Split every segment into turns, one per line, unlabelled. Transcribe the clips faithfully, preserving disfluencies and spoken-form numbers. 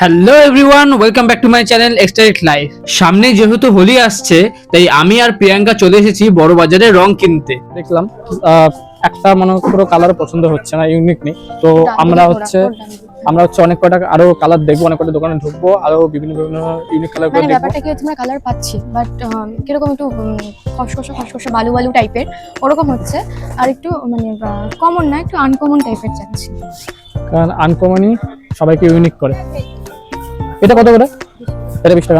Hello everyone, welcome back to my channel extract life. সামনে যেহেতু হোলি আসছে, তাই আমি আর প্রিয়াঙ্কা চলে এসেছি বড় বাজারে রং কিনতে।
দেখলাম একটা মনে পুরো কালার পছন্দ হচ্ছে না, ইউনিক নেই। তো আমরা হচ্ছে আমরা হচ্ছে অনেক কটা আরো কালার দেখবো, অনেক কটা দোকানে ঢুকবো, আরো বিভিন্ন বিভিন্ন ইউনিক কালার করে
মানে
দেখবো।
ব্যাপারটা কি হচ্ছে, আমরা কালার পাচ্ছি বাট কিরকম একটু খসখসে খসখসে বালু বালু টাইপের ওরকম হচ্ছে, আর একটু মানে কমন না, একটু আনকমন টাইপের চাচ্ছি।
কারণ আনকমনই সবাইকে ইউনিক করে। এটা কত করে? এটা বিশ টাকা।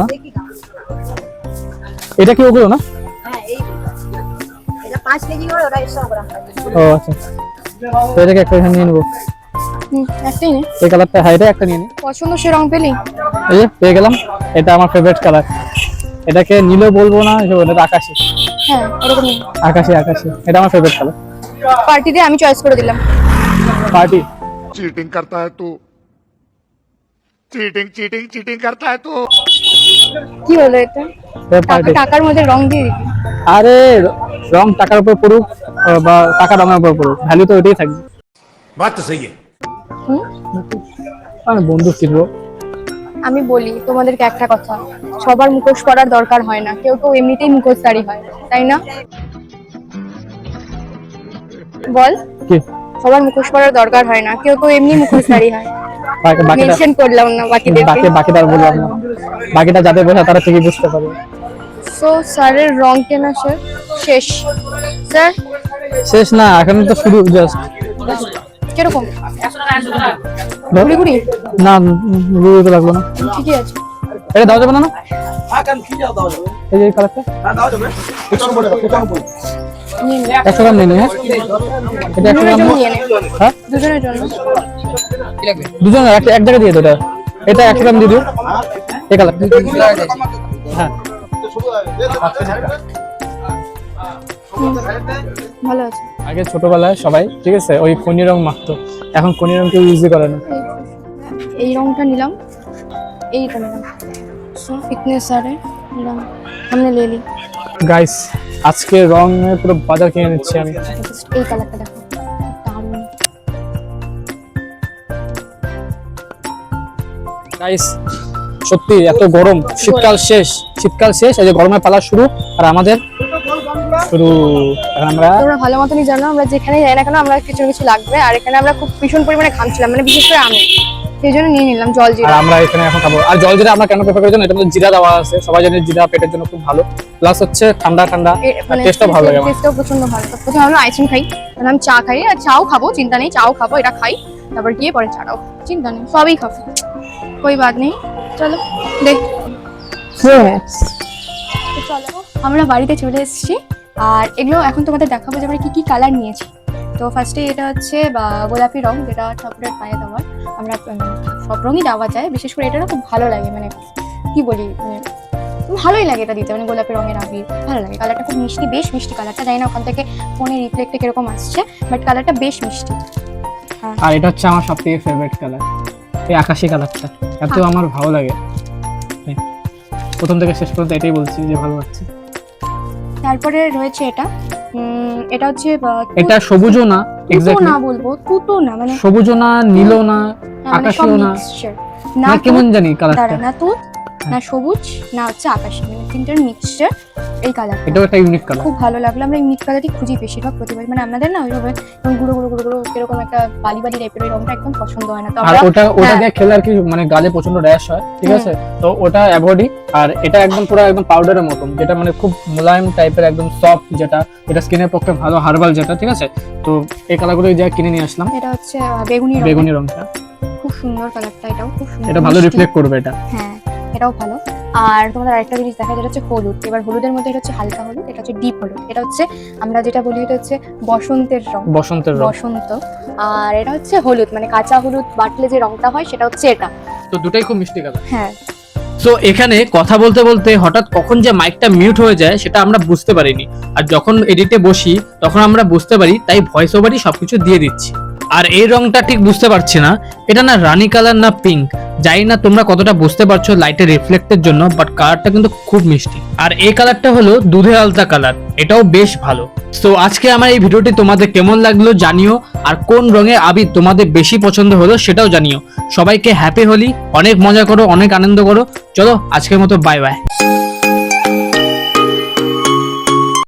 এটা কি ওগুলো না?
হ্যাঁ, এই এটা পাঁচ কেজি করে, ওটা একশো গ্রাম।
ও আচ্ছা, তো এটাকে একটা এখানে নিয়ে নেবো।
হুম, একটাই নে।
এই কালারটা, হ্যাঁ এটা একটা নিয়ে নিই।
পছন্দ সে রং পেলি?
এই যে পেয়ে গেলাম, এটা আমার ফেভারিট কালার। এটাকে নীলও বলবো না, এটা আকাশি।
হ্যাঁ ওরকম।
আকাশি আকাশি এটা আমার ফেভারিট কালার।
পার্টিতে আমি চয়েস করে দিলাম।
পার্টি
चीटिंग करता है तू चीटिंग चीटिंग चीटिंग करता है तू
কি হলো এটা?
পার্টি।
টাকা- টাকার মধ্যে রং দিয়ে দিবি?
আরে রং টাকার উপর পড়ুক বা টাকা রঙের উপর পড়ুক, ভ্যালু তো ওইটাই থাকবে।
बात तो सही है।
হুম,
আমি বন্ধু কিনবো।
আমি বলি তোমাদেরকে একটা কথা, সবার মুখোশ করার দরকার হয় না, কেউ কেউ এমনিতেই মুখোশধারী হয়, তাই না? বল,
কি
সবার মুখোশ করার দরকার হয় না, কেউ কেউ এমনি মুখোশধারী হয়।
বাকি- বাকিটা
মেনশন করলাম না বাকিদের।
বাকি বাকিটা আর বললাম না, বাকিটা যাদের বোঝা তারা ঠিকই বুঝতে পারবে।
সো স্যারের রং কেনা শেষ শেষ স্যার।
শেষ না, এখন তো শুরু জাস্ট।
কিরকম ঘুরি ঘুরি?
না বুঝতে তো লাগলো না।
ঠিকই আছে।
এটা দাও যাবে না? না এই যে কালারটা
নিয়ে নে।
একশো গ্রাম নিয়ে নে। হ্যাঁ এটা একশো
দুজনের
গ্রাম
জন্য নিয়ে নে।
হ্যাঁ
দুজনের জন্য।
দুজন এক এক জায়গায় দিয়ে দো। এটা এটা একশো গ্রাম দিয়ে দিও। এই কালার হ্যাঁ
হুম, ভালো আছে।
আগে ছোটবেলায় সবাই ঠিক আছে ওই খনি রং মাখতো, এখন খনি রং কেউ ইউজই করে না।
এই রংটা নিলাম, এইটা নিলাম। সো ফিটনেস স্যারে নিলাম, সামনে লে লি।
গাইস আজকে রং পুরো বাজার কিনে নিচ্ছি আমি।
Just এই কালারটা দেখো, দারুণ।
গাইস সত্যি এত গরম, শীতকাল শেষ, শীতকাল শেষ, এই যে গরমের পালা শুরু, আর আমাদের শুরু। আর আমরা
তোমরা ভালো মতনই জানো আমরা যেখানে যাই না কেন আমরা কিছু না কিছু লাগবে, আর এখানে আমরা খুব ভীষণ পরিমাণে ঘামছিলাম, মানে বিশেষ করে আমি, সেই জন্য নিয়ে নিলাম জল
আর
জিরা।
আমরা এখানে এখন খাবো। আর জল জিরা আমরা কেন প্রেফার করি জানো? এটার মধ্যে জিরা দেওয়া আছে, সবাই জানে জিরা পেটের জন্য খুব ভালো, প্লাস হচ্ছে ঠান্ডা ঠান্ডা,
মানে
টেস্টও ভালো লাগে আমার।
টেস্টও প্রচন্ড ভালো। তো প্রথমে আমরা আইসক্রিম খাই, তারপর আমি চা খাই, আর চাও খাবো, চিন্তা নেই, চাও খাবো, এটা খাই, তারপর গিয়ে পরে চাটাও, চিন্তা নেই, সবই খাবো, কোই বাদ নেই। চলো দেখ, তো চলো আমরা বাড়িতে চলে এসেছি, আর এগুলো এখন তোমাদের দেখাবো যে আমরা কি কি কালার নিয়েছি। তো ফার্স্টে এটা হচ্ছে বা গোলাপি রং, যেটা ঠাকুরের পায়ে দেওয়ার। আমরা উম, সব রঙই দেওয়া যায়, বিশেষ করে এটা না খুব ভালো লাগে, মানে কি বলি, মানে ভালোই লাগে এটা দিতে, মানে গোলাপি রঙের আবির ভালো লাগে। কালারটা খুব মিষ্টি, বেশ মিষ্টি কালারটা, জানি না ওখান থেকে ফোনে রিফ্লেক্টে কিরকম আসছে, বাট কালারটা বেশ মিষ্টি। হ্যাঁ,
আর এটা হচ্ছে আমার সবথেকে ফেভারিট কালার, এই আকাশি কালারটা এত আমার ভালো লাগে। হ্যাঁ, প্রথম থেকে শেষ পর্যন্ত এটাই বলছি যে ভালো লাগছে।
তারপরে রয়েছে এটা, উম, এটা হচ্ছে বা-
এটা সবুজও না,
তুতো
এক্স্যাক্টলি
না বলবো, তুতো না, মানে
সবুজও না, নীলও না,
মানে সব
আকাশিও না,
মিক্সচার না,
না কেমন
তুত,
জানি কালারটা।
দাঁড়া, না তুত না সবুজ না হচ্ছে আকাশি, মানে তিনটার মিক্সচার এই কালারটা
এটাও একটা ইউনিক কালার।
খুব ভালো লাগলো। আমরা এই মিট কালারটি খুঁজি বেশিরভাগ প্রতিবার, মানে আমাদের না ওইভাবে এরকম গুঁড়ো গুঁড়ো গুঁড়ো গুঁড়ো এরকম একটা বালি বালি টাইপের ওই রংটা একদম পছন্দ হয় না। তো
আর
আমরা
ওটা ওটা
হ্যাঁ।
দিয়ে খেলে আর কি মানে গালে প্রচন্ড র্যাশ হয়, ঠিক
হুম।
আছে, তো ওটা অ্যাভয়েডই। আর এটা একদম পুরো একদম পাউডারের মতন, যেটা মানে খুব মোলায়েম টাইপের, একদম সফট, যেটা এটা স্কিনের পক্ষে ভালো, হার্বাল যেটা, ঠিক আছে। তো এই কালারগুলো যা কিনে নিয়ে আসলাম।
এটা হচ্ছে আহ, বেগুনি রং,
বেগুনি রংটা
খুব সুন্দর কালারটা, এটাও খুব সুন্দর,
এটা ভালো
মিষ্টি।
রিফ্লেক্ট করবে এটা।
হ্যাঁ এটাও ভালো। আর তোমাদের আরেকটা জিনিস দেখা, যেটা হচ্ছে হলুদ। এবার হলুদের মধ্যে এটা হচ্ছে হালকা হলুদ, এটা হচ্ছে ডিপ হলুদ, এটা হচ্ছে আমরা যেটা বলি এটা হচ্ছে বসন্তের রং,
বসন্তের রং।
বসন্ত। আর এটা হচ্ছে হলুদ, মানে কাঁচা হলুদ বাটলে যে রংটা হয় সেটা হচ্ছে এটা।
তো দুটাই খুব মিষ্টি কালার।
হ্যাঁ,
সো এখানে কথা বলতে বলতে হঠাৎ কখন যে মাইকটা মিউট হয়ে যায় সেটা আমরা বুঝতে পারিনি, আর যখন এডিটে বসি তখন আমরা বুঝতে পারি, তাই ভয়েস ওভারই সবকিছু দিয়ে দিচ্ছি। আর এই রংটা ঠিক বুঝতে পারছি না, এটা না রানী কালার না পিঙ্ক, জানি না তোমরা কতটা বুঝতে পারছো লাইটের রিফ্লেক্টের জন্য, বাট কালারটা কিন্তু খুব মিষ্টি। আর এই কালারটা হলো দুধে আলতা কালার, এটাও বেশ ভালো। তো আজকে আমার এই ভিডিওটি তোমাদের কেমন লাগলো জানিও, আর কোন রঙের আবির তোমাদের বেশি পছন্দ হলো সেটাও জানিও। সবাইকে হ্যাপি হোলি, অনেক মজা করো, অনেক আনন্দ করো। চলো আজকের মতো বাই বাই।